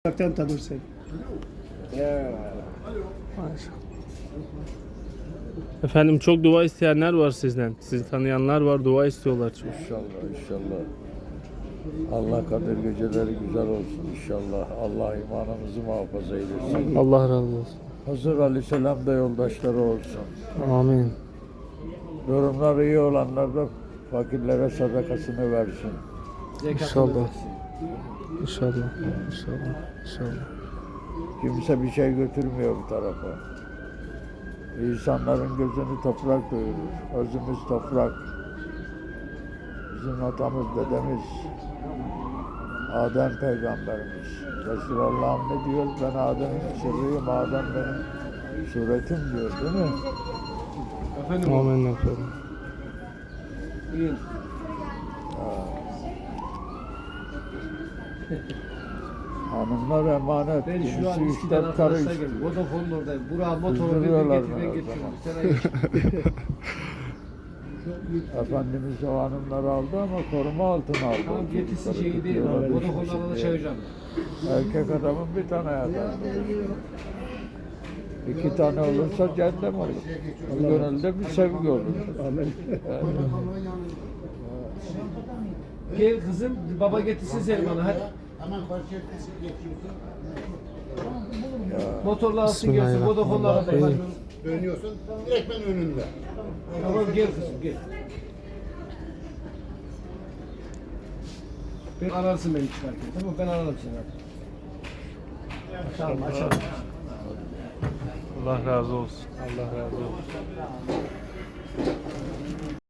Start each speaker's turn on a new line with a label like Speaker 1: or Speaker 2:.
Speaker 1: Uzaktan tanırsın.
Speaker 2: Efendim çok dua isteyenler var sizden. Sizi tanıyanlar var, dua istiyorlar çok.
Speaker 3: İnşallah. Allah kadir geceleri güzel olsun inşallah. Allah imanımızı muhafaza eylesin.
Speaker 2: Allah razı olsun.
Speaker 3: Hazır Aleyhisselam da yoldaşları olsun.
Speaker 2: Amin.
Speaker 3: Durumları iyi olanlar da fakirlere sadakasını versin.
Speaker 2: İnşallah. İnşallah. İnşallah.
Speaker 3: Kimse bir şey götürmüyor bu tarafa. İnsanların gözünü toprak doyurur. Özümüz toprak. Bizim atamız, dedemiz, Adem peygamberimiz. Resulallah'ım ne diyor? Ben Adem'in sırrıyım, Adem benim suretim diyor, değil mi?
Speaker 2: Amin efendim.
Speaker 3: Hanımlar emanet.
Speaker 4: Ben şu an
Speaker 3: Kimisi
Speaker 4: İSKİ'den
Speaker 3: üç karı
Speaker 4: arkadaşlar geldim. Vodafone'un oradayım. Burak'a motoru
Speaker 3: Kızdırıyorlar
Speaker 4: getir ben
Speaker 3: beni
Speaker 4: getiriyorum.
Speaker 3: Efendimiz o hanımları aldı ama koruma altına aldı.
Speaker 4: Tamam getirsin
Speaker 3: Çocukları
Speaker 4: şeyi değil.
Speaker 3: tutuyorlar,
Speaker 4: Vodafone'dan da çağıracağım.
Speaker 3: Erkek adamın bir tane yatar. İki tane olursa cehennem olur. Bu gönülde bir sevgi olur.
Speaker 1: Amin.
Speaker 4: Gel kızım baba getirsin seni bana hadi. Motorla alsın gelsin Vodafone'la da
Speaker 2: Bismillahirrahmanirrahim.
Speaker 5: Dönüyorsun, direktmen önünde.
Speaker 4: Tamam gel kızım gel. Ben ararsın beni çıkarken tamam ben ararım seni hadi. Tamam açalım.
Speaker 2: Allah razı olsun. Allah razı olsun.